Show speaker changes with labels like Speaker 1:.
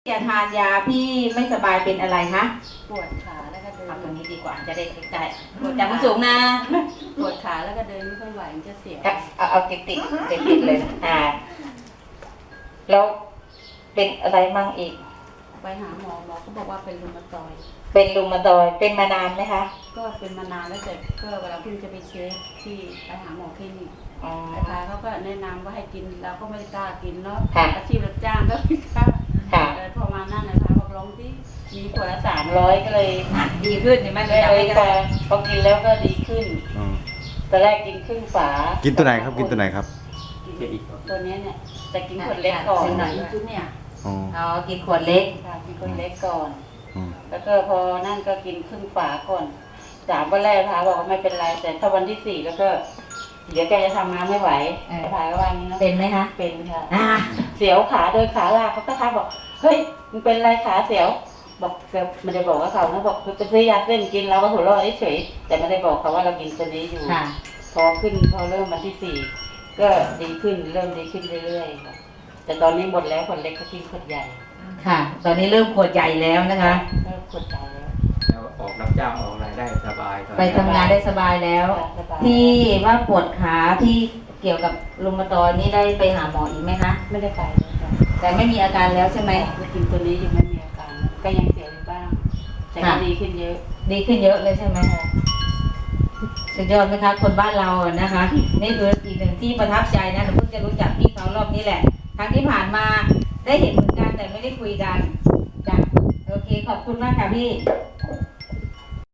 Speaker 1: จะทานยาพี่ไม่สบายเป็นอะไรคะ
Speaker 2: ปวดขาแล้วก็เดิน
Speaker 1: ทำตรงนี้ดีกว่าจะได้ใกล้ๆปวดจากสูงนะ
Speaker 2: ปวดขาแล้วก็เดินไม่ค่อยไหวมันจะเสียว
Speaker 1: เอาติดเลยแล้วเป็นอะไรมั่งอีก
Speaker 2: ไปหาหมอเขาบอกว่าเป็นรูมาตอยด์
Speaker 1: เป็นมานานไหมคะ
Speaker 2: ก็เป็นมานานแล้วแต่ก็เวลาเพิ่งจะไปเช็คที่ไปหาหมอคลินิกนะคะเขาก็แนะนำว่าให้กินเราก็ไม่ได้กล้ากินเนาะอาชีพรับจ้างก็ไม่กล้าแต่พอมานั่นนะคะบอกลองที่มีขวดละ300ก็เลย
Speaker 1: ดีขึ้นใช่ไหม
Speaker 2: เลยพอกินแล้วก็ดีขึ้นตอนแรกกินครึ่งฝา
Speaker 3: กินตัวไหนครับกินตัวไหนครับ
Speaker 2: ตัวนี้เนี่ยแต่กินขวดเล็กก่อนจุ๊บเนี่ย
Speaker 1: กินขวดเล็ก
Speaker 2: กินขวดเล็กก่อนแล้วก็พอนั่นก็กินครึ่งฝาก่อน3 วันแรกพาบอกว่าไม่เป็นไรแต่ถ้าวันที่4แล้วก็เดี๋ยวแกจะทำงานไม่ไหวพาก็ว่านี้นะ
Speaker 1: เป็นไหมคะ
Speaker 2: เป็นค่ะเสียวขาโดยขาลากเขาก็ทักบอกเฮ้ยมันเป็นไรขาเสียวบอกไม่ได้บอกว่าเขานะบอกไปซื้อยาเส้นกินเราก็หัวเราะเฉยแต่ไม่ได้บอกเขาว่าเรากินตัวนี้อยู่พอเริ่มวันที่4ก็ดีขึ้นเริ่มดีขึ้นเรื่อยๆค่ะแต่ตอนนี้หมดแล้วขวดเล็กก็กินขวดใหญ่
Speaker 1: ค่ะตอนนี้เริ่มขวดใหญ่แล้วนะคะ
Speaker 2: เริ่มขวดใหญ่แล้ว
Speaker 4: ออกรับจ้างออกอะไรได้สบาย
Speaker 1: ไปทำงานได้สบายแล้วที่ว่าปวดขาที่เกี่ยวกับรุมาตอยด์นี่ได้ไปหาหมออีกไหมคะ
Speaker 2: ไม่ได้ไป
Speaker 1: แต่ไม่มีอาการแล้วใช่ไหม
Speaker 2: กินตัวนี้ยังไม่มีอาการก็ยังเสียวอยู่บ้างแต่ก็ดีขึ้นเยอะ
Speaker 1: เลยใช่ไหมสุดยอดไหมคะคนบ้านเรานะคะนี่คืออีกหนึ่งที่ประทับใจนะหนูเพิ่งจะรู้จักพี่เขารอบนี้แหละครั้งที่ผ่านมาได้เห็นเหมือนกันแต่ไม่ได้คุยกันจ้ะโอเคขอบคุณมากค่ะพี่